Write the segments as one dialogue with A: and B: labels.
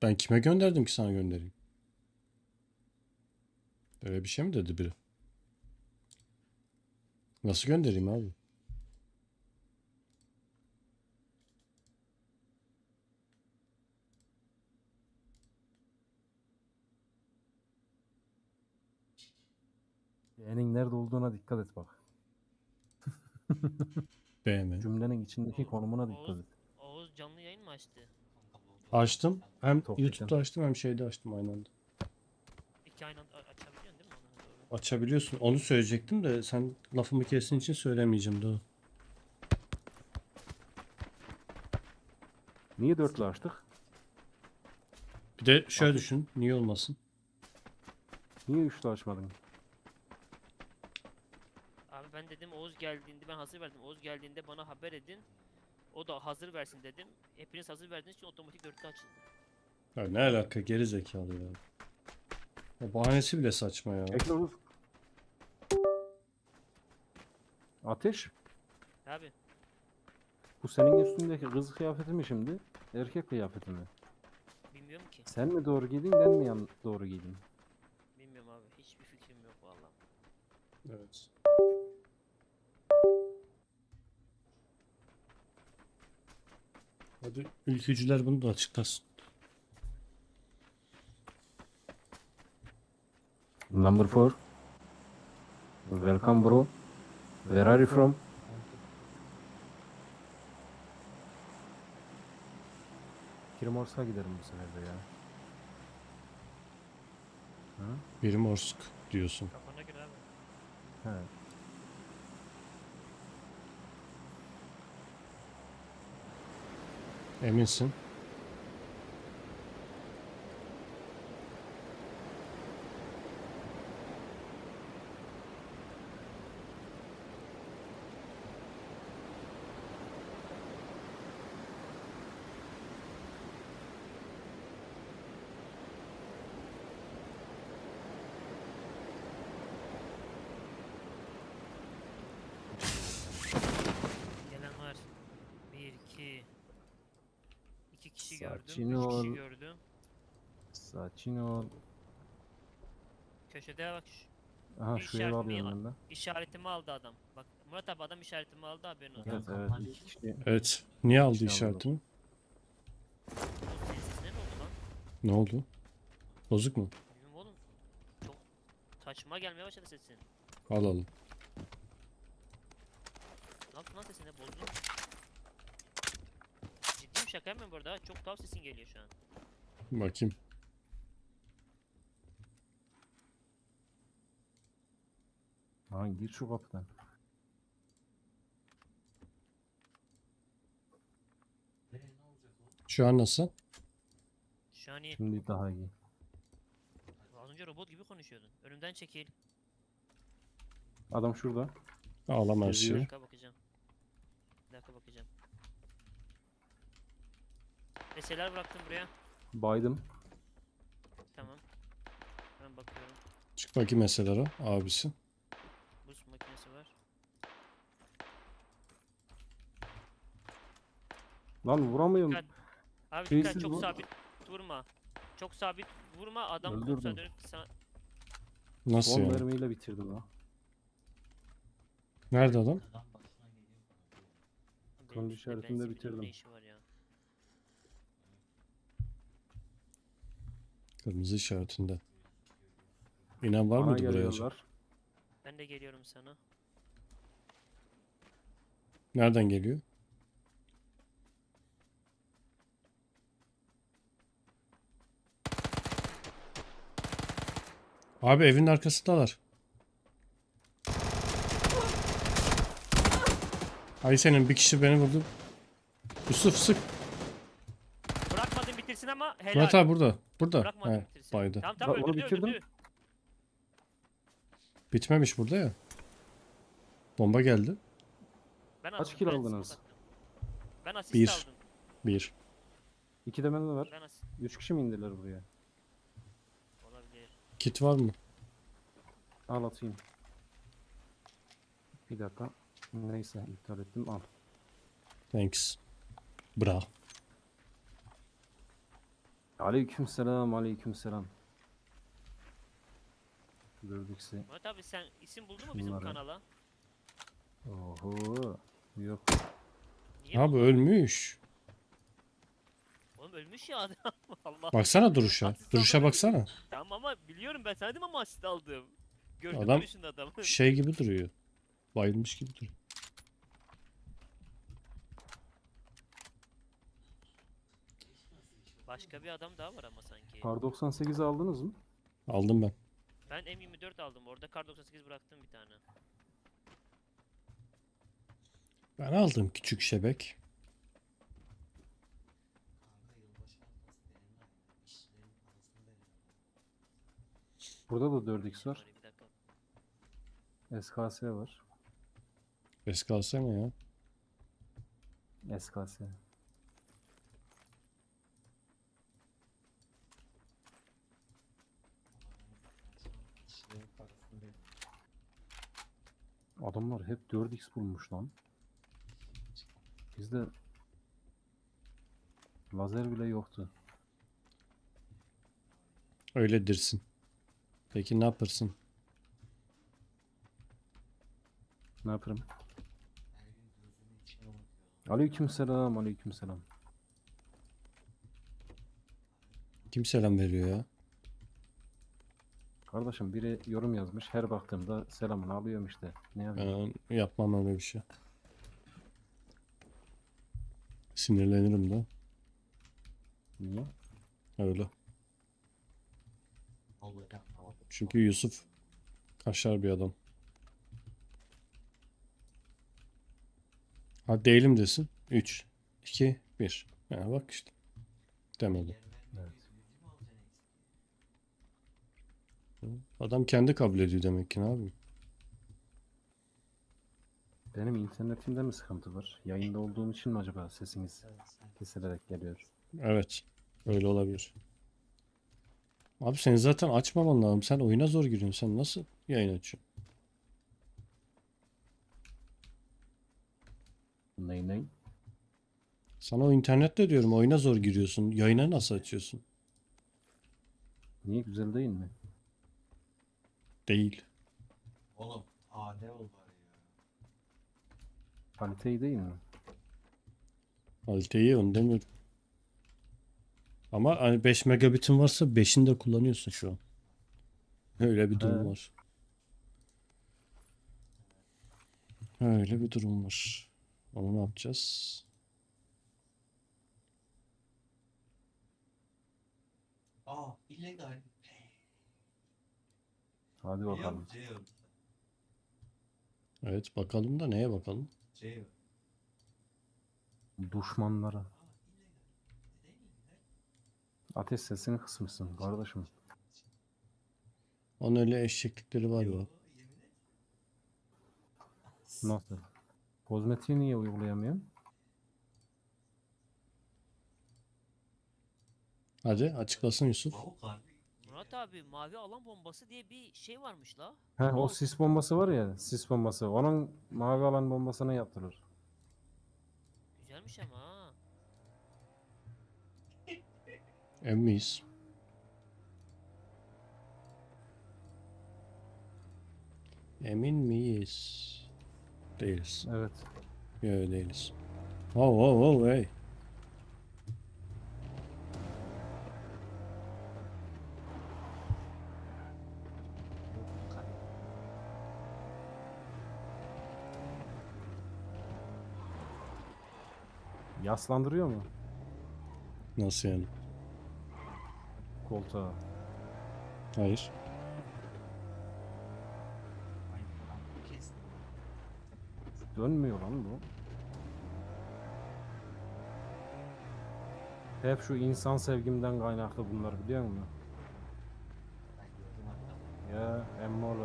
A: Ben kime gönderdim ki sana göndereyim? Böyle bir şey mi dedi biri? Nasıl göndereyim abi?
B: B'nin nerede olduğuna dikkat et bak.
A: Beğenmedim.
B: Cümlenin içindeki konumuna dikkat
C: Oğuz,
B: et.
C: Oğuz canlı yayın mı açtı?
A: Açtım. Hem
B: Topikten.
A: YouTube'da açtım hem şeyde açtım aynı anda.
C: İki aynı anda açabiliyorsun değil mi onu? Doğru.
A: Açabiliyorsun. Onu söyleyecektim de sen lafımı kestin için söylemeyeceğim daha.
B: Niye dörtlü açtık?
A: Bir de şöyle
B: Abi.
A: düşün. Niye olmasın?
B: Niye üçlü açmadın?
C: Abi ben dedim Oğuz geldiğinde ben hazır verdim. Oğuz geldiğinde bana haber edin. O da hazır versin dedim. Hepiniz hazır verdiğiniz için otomatik dörtlü açıldı.
A: Ya ne alaka geri zekalı ya. Ya bahanesi bile saçma ya.
B: Bekle. Ateş.
C: Abi
B: Bu senin üstündeki kız kıyafeti mi şimdi? Erkek kıyafeti mi?
C: bilmiyorum ki.
B: Sen mi doğru giydin ben mi doğru giydim?
C: Bilmiyorum abi. Hiçbir fikrim yok vallahi.
A: Evet. Hadi ülkücüler bunu da açıklasın.
B: Number 4. Welcome bro. Where are you from? Kirmors'a giderim bu sefer de ya. Ha?
A: Primorsk diyorsun.
C: Kafana göre abi.
B: He.
A: Eminsin.
C: Gelen var. Bir, iki. İki kişi gördüm.
B: Sakin
C: Üç
B: ol.
C: kişi gördüm.
B: Sakin ol.
C: Köşede bak.
B: Aha
C: Bir
B: şu evi alıyorum ben de.
C: İşaretimi aldı adam. Bak Murat abi adam işaretimi aldı haberin olsun.
B: Evet evet iki kişi.
A: Evet. Niye aldı
B: Şey
A: işaretimi?
C: Oğlum senin sesine ne oldu lan?
A: Ne oldu? Bozuk mu?
C: Bilmiyorum oğlum. Çok saçma gelmeye başladı sesin.
A: Alalım.
C: Ne yaptın lan sesine bozdun? Ciddiyim şaka yapmıyorum bu arada. Çok tuhaf sesin geliyor şu an.
A: Bakayım.
B: Aha gir şu kapıdan.
A: Şu an nasıl?
C: Şu an iyi.
B: Şimdi daha iyi.
C: Az önce robot gibi konuşuyordun. Önümden çekil.
B: Adam şurada.
A: Ağlama her
C: Bir
A: şeyi.
C: dakika bakacağım. Bir dakika bakacağım. Eserler bıraktım buraya.
B: Baydım.
C: Tamam. Ben bakıyorum.
A: Çık bakayım meselelere abisi.
C: Buz makinesi var.
B: Lan vuramıyorum.
C: Dikkat. Abi
B: Şeysiz
C: dikkat çok
B: bu.
C: sabit vurma. Çok sabit vurma adam
B: Öldürdüm.
C: kursa dönüp sana...
A: Nasıl
B: 10
A: yani?
B: mermiyle bitirdim ha.
A: Nerede adam?
C: Benim
B: Turuncu
C: üstümde
B: işaretinde
C: benzin bidonun
B: bitirdim.
C: ne işi var ya?
A: Kırmızı işaretinde. İnan var
B: Bana
A: mıydı buraya acaba?
B: geliyorlar.
C: Ben de geliyorum sana.
A: Nereden geliyor? Abi evin arkasındalar. Ay senin bir kişi beni vurdu. Yusuf sık.
C: Bırakmadın bitirsin ama helal.
A: Murat abi burada. Burada.
C: Bırakmadın
A: He,
C: bitirsin.
A: baydı.
C: Tamam tamam
B: Bak, onu
C: öldürdü
B: bitirdim.
C: öldürdü.
A: Bitmemiş burada ya. Bomba geldi.
C: Ben
B: Kaç
C: aldım,
B: kill
C: ben
B: aldınız?
C: smoke attım. Ben asist
A: Bir.
C: aldım.
A: 1.
B: 2 de bende var.
C: Ben asist
B: 3 kişi mi indiler buraya?
C: olabilir.
A: Kit var mı?
B: Al atayım. Bir dakika. Neyse iptal ettim al.
A: Thanks. Bra.
B: Aleykümselam, aleykümselam. Gördükse.
C: Murat abi sen isim buldun mu bizim
B: Bunları.
C: kanala?
B: Oho. Yok.
C: Niye
A: Abi
C: bulmadın?
A: ölmüş.
C: Oğlum ölmüş ya adam. Allah.
A: Baksana duruşa.
C: Asist
A: Duruşa
C: aldım.
A: baksana.
C: Tamam ama biliyorum ben sana dedim ama asist aldım. Gördüm
A: Adam-
C: duruşunu adamı.
A: Şey gibi duruyor. Bayılmış gibi duruyor.
C: Başka bir adam daha var ama sanki.
B: Kar 98'i aldınız mı?
A: Aldım ben.
C: Ben M24 aldım. Orada Kar 98 bıraktım bir tane.
A: Ben aldım küçük şebek.
B: Burada da 4x var.
C: Bir dakika.
B: SKS var.
A: SKS mi ya?
B: SKS. Adamlar hep 4x bulmuş lan. Bizde lazer bile yoktu.
A: Öyledirsin. Peki ne yaparsın?
B: Ne yaparım? Aleykümselam, aleykümselam.
A: Kim selam veriyor ya?
B: Kardeşim biri yorum yazmış. Her baktığımda selamını alıyorum işte. Ne yapayım?
A: Ben yapmam öyle bir şey. Sinirlenirim de.
B: Niye?
A: Öyle. Çünkü Yusuf kaşar bir adam. Ha değilim desin. 3, 2, 1. Ya bak işte. Demedi.
B: Evet.
A: Adam kendi kabul ediyor demek ki, ne yapayım?
B: Benim internetimde mi sıkıntı var? Yayında olduğum için mi acaba sesiniz kesilerek geliyor?
A: Evet. Öyle olabilir. Abi sen zaten açmaman lazım. Sen oyuna zor giriyorsun. Sen nasıl yayın açıyorsun?
B: Ney ney?
A: Sana o internette diyorum, oyuna zor giriyorsun. Yayına nasıl açıyorsun?
B: Niye, güzel değil mi?
A: Değil.
D: Oğlum AD ol bari ya.
B: Kalite iyi değil mi?
A: Kaliteyi onu demiyorum. Ama hani 5 megabitin varsa 5'ini de kullanıyorsun şu an. Öyle bir durum
B: He.
A: var. Öyle bir durum var. Onu ne yapacağız?
D: illegal.
B: Hadi bakalım.
D: Yok jail.
A: Evet bakalım da neye bakalım?
D: Jail.
B: Düşmanlara. Ateş sesini kısmışsın kardeşim.
A: Onun öyle eşeklikleri var ya.
D: Yemin et.
B: Nasıl? Kozmetiği niye uygulayamıyorum?
A: Hadi açıklasın Yusuf.
D: Lavuk harbi.
C: Murat abi mavi alan bombası diye bir şey varmış la.
B: He, o
C: Mouse.
B: sis bombası var ya, sis bombası. Onun mavi alan bombasına yaptırır.
C: Güzelmiş ama ha.
A: Emmiyiz. Emin miyiz? Değiliz.
B: Evet.
A: Yok değiliz. Oh oh oh hey.
B: Yaslandırıyor mu
A: Nasıl yani?
B: koltuğa?
A: Hayır.
D: Kes.
B: Dönmüyor lan bu. Hep şu insan sevgimden kaynaklı bunlar, biliyor musun?
D: Ben gördüm hatta.
B: Ya emmoğlu.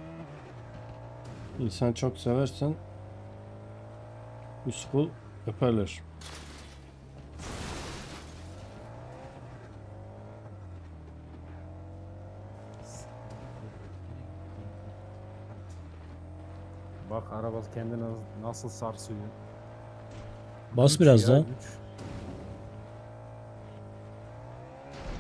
A: İnsan çok seversen Yusuf'u öperler.
B: Bak araba kendini nasıl sarsıyor.
A: Bas
B: Güç
A: biraz
B: ya,
A: daha.
B: güç.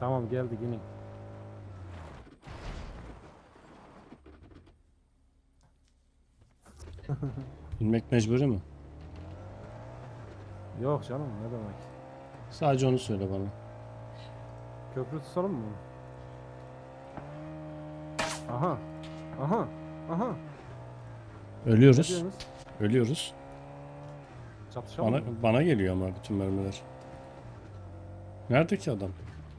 B: Tamam geldik inin.
A: İnmek mecburi mi?
B: Yok canım ne demek.
A: Sadece onu söyle bana.
B: Köprü tutalım mı? Aha. Aha. Aha. Ne
A: Ölüyoruz.
B: diyorsunuz?
A: Ölüyoruz.
B: Çatışalım mı?
A: Bana geliyor ama bütün mermiler. Nerede ki adam?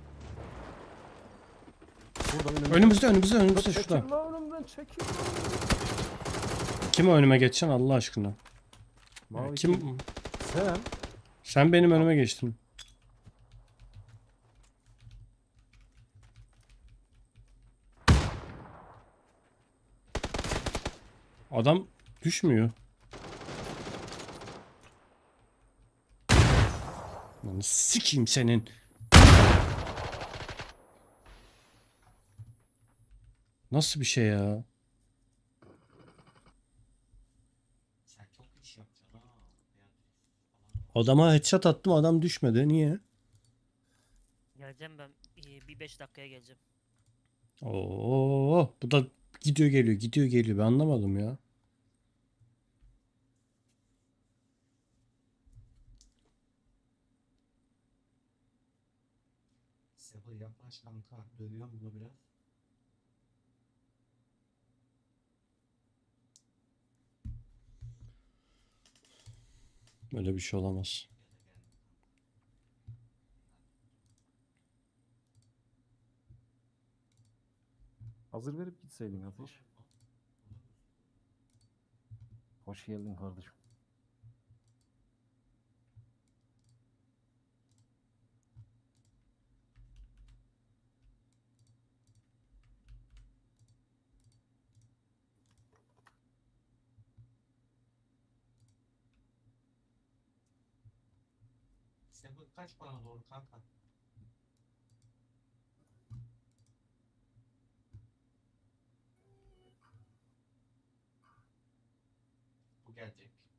B: Burada
A: Önümüzde
B: Çekil
A: şurada.
B: lan önümden çekil.
A: Kim o önüme geçeceksin Allah aşkına?
B: Mavi
A: Kim?
B: Sen.
A: Sen benim önüme geçtin. Adam düşmüyor. Lan sikeyim senin. Nasıl bir şey ya?
D: Sen çok iş yapacaksın ha. Yani
A: Adama headshot attım adam düşmedi. Niye?
C: Geleceğim ben. Bir 5 dakikaya geleceğim.
A: Oo, bu da gidiyor geliyor. Ben anlamadım ya.
D: Sabır yaklaş kanka. Dövüyorum bunu biraz.
A: Böyle bir şey olamaz.
B: Hazır verip gitseydin Ateş. Hoş geldin kardeşim.
D: Sabır kaç bana doğru kanka. Bu gelecek.